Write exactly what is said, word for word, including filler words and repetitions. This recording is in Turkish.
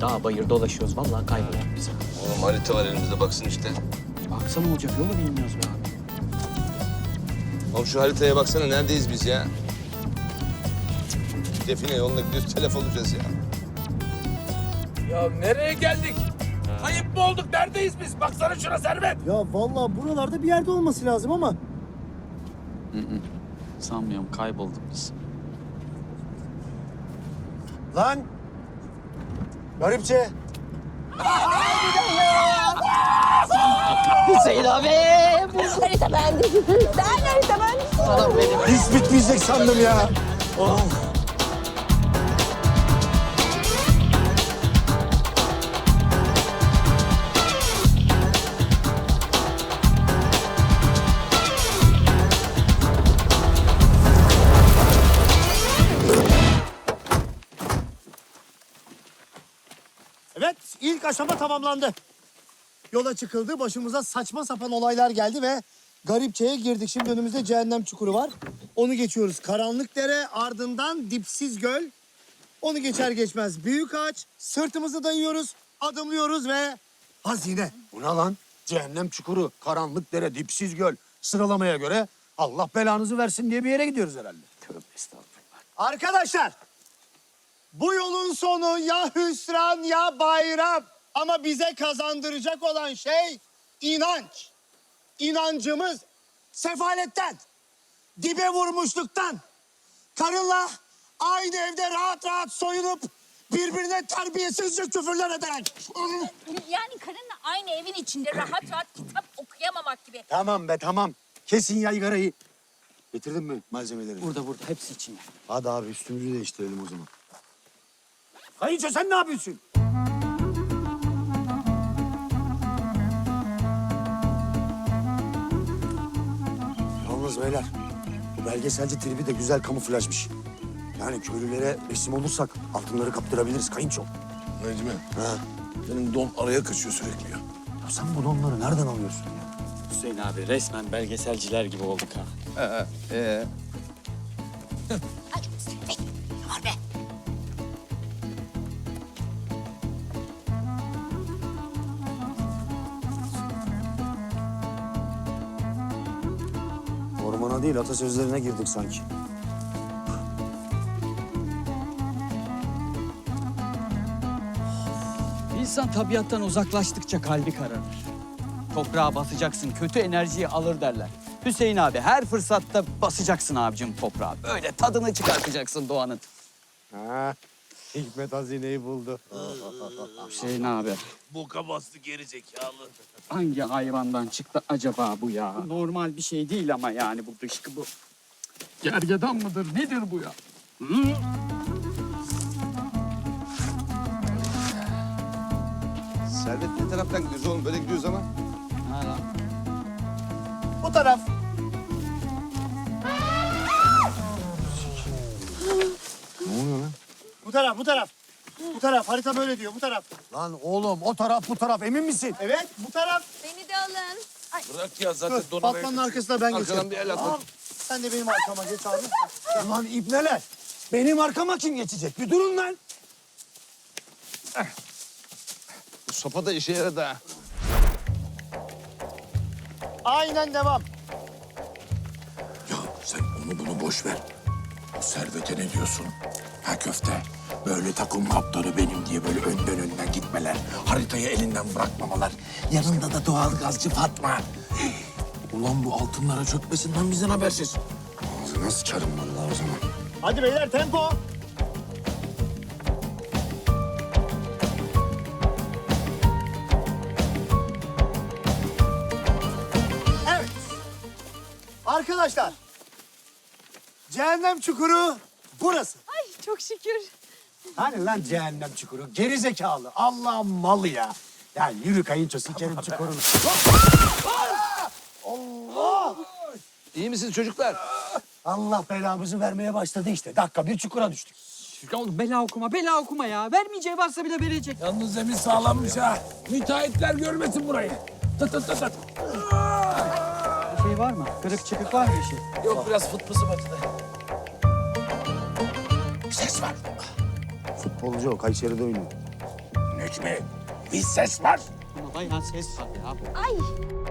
Dağ bayır dolaşıyoruz. Vallahi kaybolduk biz. Oğlum harita var elimizde baksın işte. Baksana olacak yolu bilmiyoruz be abi. Oğlum şu haritaya baksana neredeyiz biz ya? Define yoluna gidiyoruz telef olacağız ya. Ya nereye geldik? Kayıp mı olduk? Neredeyiz biz? Baksana şuna Servet. Ya vallahi buralarda bir yerde olması lazım ama. Hı hı. Sanmıyorum kaybolduk biz. Lan! Garipçe! Hüseyin abi! Harita bende. Ben harita bende. Adam benim. Hiç bitmeyecek sandım ya. Oh. Evet, ilk aşama tamamlandı. Yola çıkıldı, başımıza saçma sapan olaylar geldi ve Garipçe'ye girdik. Şimdi önümüzde cehennem çukuru var. Onu geçiyoruz. Karanlık dere, ardından dipsiz göl. Onu geçer geçmez büyük ağaç. Sırtımızı dayıyoruz, adımlıyoruz ve hazine. Bu ne lan? Cehennem çukuru, karanlık dere, dipsiz göl. Sıralamaya göre Allah belanızı versin diye bir yere gidiyoruz herhalde. Tövbe estağfurullah. Arkadaşlar, bu yolun sonu ya hüsran ya bayram. Ama bize kazandıracak olan şey inanç. İnancımız sefaletten, dibe vurmuşluktan, karınla aynı evde rahat rahat soyunup birbirine terbiyesizce küfürler ederek. Yani karınla aynı evin içinde rahat rahat kitap okuyamamak gibi. Tamam be tamam. Kesin yaygarayı. Getirdin mi malzemeleri? Burada burada hepsi içinde. Hadi abi üstümüzü değiştirelim o zaman. Kayınço sen ne yapıyorsun? Yalnız beyler, bu belgeselci tribi de güzel kamuflajmış. Yani köylülere resim olursak altınları kaptırabiliriz kayınço. Necmi, Ha. senin don araya kaçıyor sürekli ya. Ya sen bu donları nereden alıyorsun ya? Hüseyin abi resmen belgeselciler gibi olduk ha. Ee, Ay Servet, ne var be? Ormana değil atasözlerine girdik sanki. İnsan tabiattan uzaklaştıkça kalbi kararır. Toprağa basacaksın, kötü enerjiyi alır derler. Hüseyin abi her fırsatta basacaksın abicim toprağa. Böyle tadını çıkartacaksın doğanın. Ha, Hikmet hazineyi buldu. Hüseyin abi boka bastı geri zekalı. hangi hayvandan çıktı acaba bu ya? Normal bir şey değil ama yani bu dışkı bu. Gergedan mıdır nedir bu ya? Hı? Servet ne taraftan gidiyoruz oğlum? Böyle gidiyoruz ama. Ha lan. Bu taraf. Ne oluyor lan? Bu taraf, bu taraf. Bu taraf, harita böyle diyor, bu taraf. Lan oğlum, o taraf, bu taraf, emin misin? Evet, bu taraf. Beni de alın. Ay, Bırak ya zaten Dur, don araya Batman'ın kaçıyor. arkasına ben geçerim. Arkadan bir el at. Tamam, sen de benim arkama geç abi. Ulan ibneler, benim arkama kim geçecek? Bir durun lan. Bu sopa da işe yaradı ha. Aynen devam. Ya sen onu bunu boş ver. O Servet'e ne diyorsun? Ha köfte. Böyle takım kaptanı benim diye böyle önden önden gitmeler. Haritayı elinden bırakmamalar. Yanında da doğal gazcı Fatma. Ulan bu altınlara çökmesinden bizden habersiz. Ağzına sıçarım vallahi o zaman. Hadi beyler, tempo. Evet. Arkadaşlar, cehennem çukuru burası. ay çok şükür. Hani lan cehennem çukuru? Geri zekalı. Allah'ın malı ya. Ya yürü kayınço sikerim çukurunu. Allah! İyi misiniz çocuklar? Allah belamızı vermeye başladı işte. Dakika bir çukura düştük. Ya oğlum bela okuma, bela okuma ya. Vermeyeceği varsa bile verecek. Yalnız zemin sağlammış ha. Müteahhitler görmesin burayı. Tut tut tut. tut. Bir şey var mı? Kırık çıkık var mı bir şey? Yok biraz fıt fısı batıda. Ses var. Futbolcu o, Kayseri'de oynuyor. Ne Necmi, bir ses var. Ama bayağı ses var ya. Ay